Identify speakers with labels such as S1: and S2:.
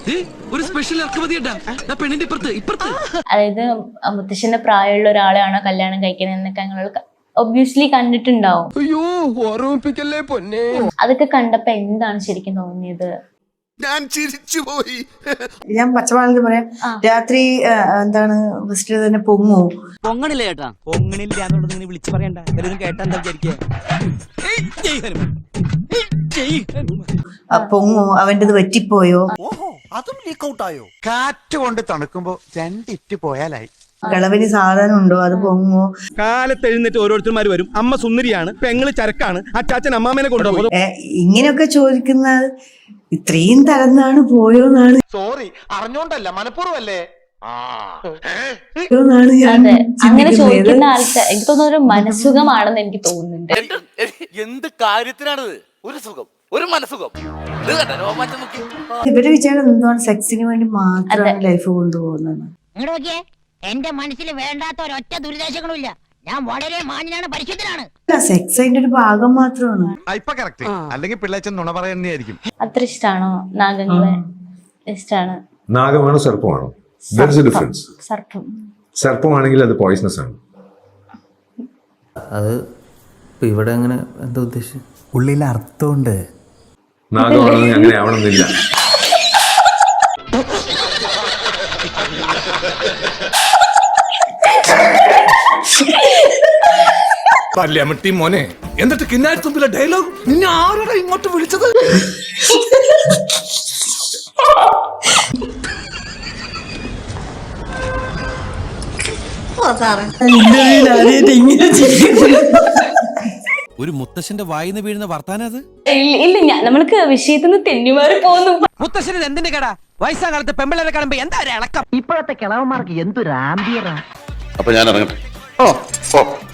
S1: ഒരു സ്പെഷ്യൽ ഇറക്കുമതിയുണ്ടാ പെണ്ണിന്റെ ഇപ്പുറത്ത്.
S2: അതായത് മുത്തശ്ശന്റെ പ്രായമുള്ള ഒരാളെയാണോ കല്യാണം കഴിക്കുന്നത് എന്നൊക്കെ ഞങ്ങൾ ഒബ്വിയസ്ലി കണ്ടിട്ടുണ്ടാവും. അതൊക്കെ കണ്ടപ്പോ എന്താണ് ശരിക്കും തോന്നിയത്?
S3: ഞാൻ ചിരിച്ചുപോയി.
S4: ഞാൻ പച്ചമാണെന്ന് പറയാം. രാത്രി എന്താണ് ഫസ്റ്റ് തന്നെ പൊങ്ങോ?
S5: പൊങ്ങണില്ല ചേട്ടാ, പൊങ്ങണില്ല എന്നുള്ളത് ഇങ്ങനെ വിളിച്ചു പറയണ്ട. എല്ലാവരും കേട്ടാ എന്താ വിചാരിക്കുക?
S4: പൊങ്ങോ? അവൻ്റെത് പറ്റിപ്പോയോ?
S3: അതും ലീക്ക് ഔട്ട് ആയോ?
S6: കാറ്റ് കൊണ്ട് തണുക്കുമ്പോ രണ്ടിറ്റ് പോയാലായി.
S4: കളവിന് സാധനം ഉണ്ടോ? അത് പൊങ്ങോ?
S7: കാലത്ത് എഴുന്നേറ്റ് ഓരോരുത്തർമാർ വരും. അമ്മ സുന്ദരിയാണ്, പെങ്ങള് ചരക്കാണ്, അച്ചാച്ചൻ അമ്മാമേനെ കൊണ്ടുപോകും.
S4: ഇങ്ങനെയൊക്കെ ചോദിക്കുന്നത് ഇത്രയും തരന്നാണ് പോയോന്നാണ്.
S6: സോറി, അറിഞ്ഞോണ്ടല്ല, മനഃപൂർവ്വല്ലേ.
S2: അതെ, അങ്ങനെ ചോദിക്കുന്ന ആൾക്ക് എനിക്ക് തോന്നുന്ന ഒരു മനസുഖമാണെന്ന് എനിക്ക് തോന്നുന്നുണ്ട്.
S3: എന്ത് കാര്യത്തിനാണിത്? ഒരു സുഖം, ഒരു മനസുഖം.
S4: ഇവര് വിചാരം എന്താണ് സെക്സിന് വേണ്ടി മാത്രമാണ് ലൈഫ് കൊണ്ടുപോകുന്നത്.
S8: എന്റെ മനസ്സിൽ വേണ്ടാത്ത ഒരൊറ്റ ദുരിതാശങ്ങളും ഇല്ല. ഞാൻ വളരെ മാന്യനാണ്, പരിശുദ്ധനാണ്.
S4: സെക്സ് അതിന്റെ ഒരു ഭാഗം മാത്രമാണ്.
S6: ഇപ്പൊ കറക്റ്റ്, അല്ലെങ്കിൽ പിള്ളേച്ചൻ നുണ പറയുന്നതായിരിക്കും.
S2: അത്ര ഇഷ്ടാണോ നാഗങ്ങളെ? ഇഷ്ടാണ്.
S9: നാഗമാണോ സർപ്പമാണോ? ഡിഫറൻസ്. സർപ്പമാണെങ്കിൽ അത് പോയിസണസ് ആണ്.
S10: അത് ഇവിടെ അങ്ങനെ എന്താ ഉദ്ദേശിച്ചത്?
S11: ഉള്ളിൽ അർത്ഥമുണ്ട്.
S9: നാഗമാണെങ്കിൽ അങ്ങനെ ആവണമെന്നില്ല.
S3: പല്ലമട്ടി മോനെ, എന്നിട്ട് കിന്നാരി തുമ്പിലെ ഡയലോഗ് നിന്നെ ആരാണ് ഇങ്ങോട്ട് വിളിച്ചത്?
S1: ഒരു മുത്തശ്ശന്റെ വായിന്ന് വീഴുന്ന വർത്താനം അത്
S2: ഇല്ല, നമ്മൾക്ക് വിഷയത്തിൽ നിന്ന് തെന്നിമാറി പോകുന്നു.
S5: മുത്തശ്ശന് എന്തിന്റെ കട? വയസ്സാം കാലത്ത് പെമ്പിള്ളേരെ കാണുമ്പോ എന്താ ഒരു ഇളക്കം?
S8: ഇപ്പോഴത്തെ കിളവന്മാർക്ക് എന്തൊരു ആംബിയറാ.
S3: അപ്പൊ ഞാൻ ഇറങ്ങട്ടെ.